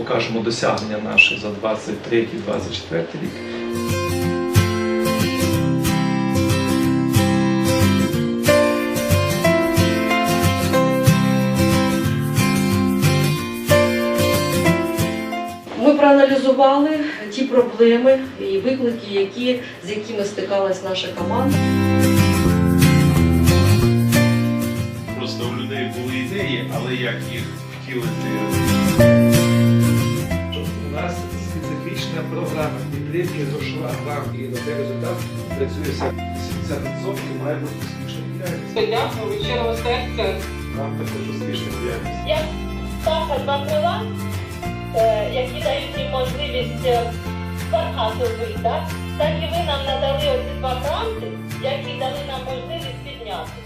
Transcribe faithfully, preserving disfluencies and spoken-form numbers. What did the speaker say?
покажемо досягнення наші за двадцять третій - двадцять четвертий рік. Ми проаналізували ті проблеми і виклики, які, з якими стикалась наша команда. Просто у людей були ідеї, але як їх втілити? У нас специфічна програма підтримки дошла вам і на цей результат працює сімдесят відсотків, має бути успішна діяльність. Дякую від щирого серця. Нам також успішна діяльність. Як птаха два крила, які дають їм можливість пархати вбити, так? Так і ви нам надали оці два гранти, які дали нам можливість піднятися.